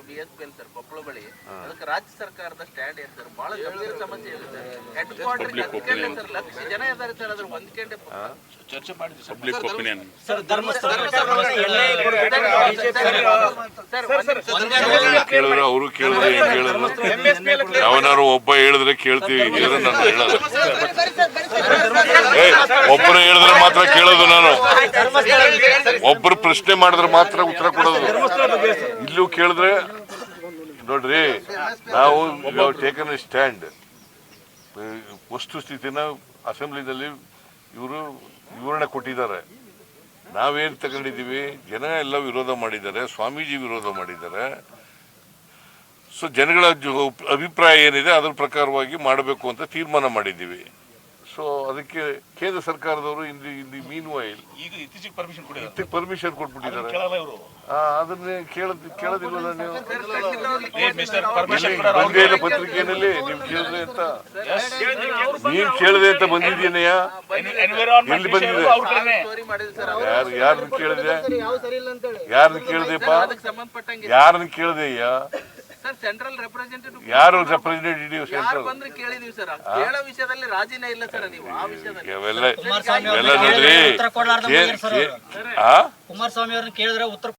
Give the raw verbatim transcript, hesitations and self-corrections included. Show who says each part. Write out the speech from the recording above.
Speaker 1: B S P L sir Koppal ಬಳಿ ಅದಕ್ಕೆ ರಾಜ್ಯ ಸರ್ಕಾರದ ಸ್ಟ್ಯಾಂಡ್ ಏನು ಸರ್ ಬಹಳ ಗಂಭೀರ ಸಮಸ್ಯೆ ಇದೆ ಸರ್. ಹೆಡ್ ಕ್ವಾರ್ಟರ್ ಹತ್ಕೊಂಡೆ ಸರ್ ಲಕ್ಷ ಜನ ಇದ್ದಾರೆ ಸರ್ ಅದ್ರ ಹೊಂದ್ಕೊಂಡೆ ಚರ್ಚೆ ಮಾಡಿದ್ವಿ sir. Public opinion sir Dharmasthala
Speaker 2: ಕೇಳಿದ್ರೆ ಅವರು ಕೇಳಿದ್ರೆ ಏನ್ ಕೇಳಿದ್ರು ಯಾವನಾರು ಒಬ್ಬ ಹೇಳಿದ್ರೆ ಕೇಳ್ತೀವಿ ಹೇಳಿದ್ರೆ ನಾನು ಹೇಳೋದು ಏ ಒಬ್ಬರು ಹೇಳಿದ್ರೆ ಮಾತ್ರ ಕೇಳೋದು ನಾನು ಒಬ್ಬರು ಪ್ರಶ್ನೆ ಮಾಡಿದ್ರೆ ಮಾತ್ರ ಉತ್ತರ ಕೊಡೋದು ಇಲ್ಲೂ ಕೇಳಿದ್ರೆ ನೋಡ್ರಿ ನಾವು ಟೇಕನ್ ಎ ಸ್ಟ್ಯಾಂಡ್ ವಸ್ತುಸ್ಥಿತಿನ ಅಸೆಂಬ್ಲಿನಲ್ಲಿ ಇವರು ವಿವರಣೆ ಕೊಟ್ಟಿದ್ದಾರೆ ನಾವೇನು ತಗೊಂಡಿದ್ದೀವಿ ಜನ ಎಲ್ಲ ವಿರೋಧ ಮಾಡಿದ್ದಾರೆ ಸ್ವಾಮೀಜಿ ವಿರೋಧ ಮಾಡಿದ್ದಾರೆ ಸೊ ಜನಗಳ ಅಭಿಪ್ರಾಯ ಏನಿದೆ ಅದ್ರ ಪ್ರಕಾರವಾಗಿ ಮಾಡಬೇಕು ಅಂತ ತೀರ್ಮಾನ ಮಾಡಿದ್ದೀವಿ ಸೊ ಅದಕ್ಕೆ ಕೇಂದ್ರ ಸರ್ಕಾರದವರು ಇಲ್ಲಿ ಇಲ್ಲಿ ಮೀನ್ ವೈಲ್
Speaker 1: ಈಗ ಇತ್ತೀಚೆಗೆ ಪರ್ಮಿಷನ್
Speaker 2: ಕೊಟ್ಟಿದ್ದಾರೆ ಪರ್ಮಿಷನ್ ಕೊಟ್ಬಿಟ್ಟಿದ್ದಾರೆ ಅದನ್ನೇ ಕೇಳದ್ ಕೇಳೋದಿಲ್ಲ ನೀವು ಬಂದೇ ಇಲ್ಲ ಪತ್ರಿಕೆಯಲ್ಲಿ ನೀವು ಕೇಳಿದ್ರೆ ಅಂತ ನೀನ್ ಕೇಳಿದೆ ಅಂತ ಬಂದಿದ್ದೀನಯ್ಯ ಎಲ್ಲಿ ಬಂದಿದೆ ಯಾರು ಯಾರನ್ನ ಕೇಳಿದೆ ಯಾರನ್ನ ಕೇಳಿದೆಪ್ಪ ಯಾರನ್ನ ಕೇಳಿದೆಯ್ಯ
Speaker 1: ಸೆಂಟ್ರಲ್ ರೆಪ್ರೆಸೆಂಟೇಟಿವ್
Speaker 2: ಯಾರು ರೆಪ್ರೆಸೆಂಟೇಟಿವ್ ಸೆಂಟ್ರಲ್
Speaker 1: ಬಂದ್ರೆ ಕೇಳಿದೀವಿ ಸರ್ ಕೇಳೋ ವಿಷಯದಲ್ಲಿ ರಾಜಿನೇ ಇಲ್ಲ ಸರ್ ನೀವು ಆ ವಿಷಯದಲ್ಲಿ
Speaker 2: ಇವೆಲ್ಲ ಇವೆಲ್ಲ ನೋಡ್ರಿ
Speaker 3: ಕುಮಾರಸ್ವಾಮಿ ಅವ್ರನ್ನ ಕೇಳಿದ್ರೆ ಉತ್ತರ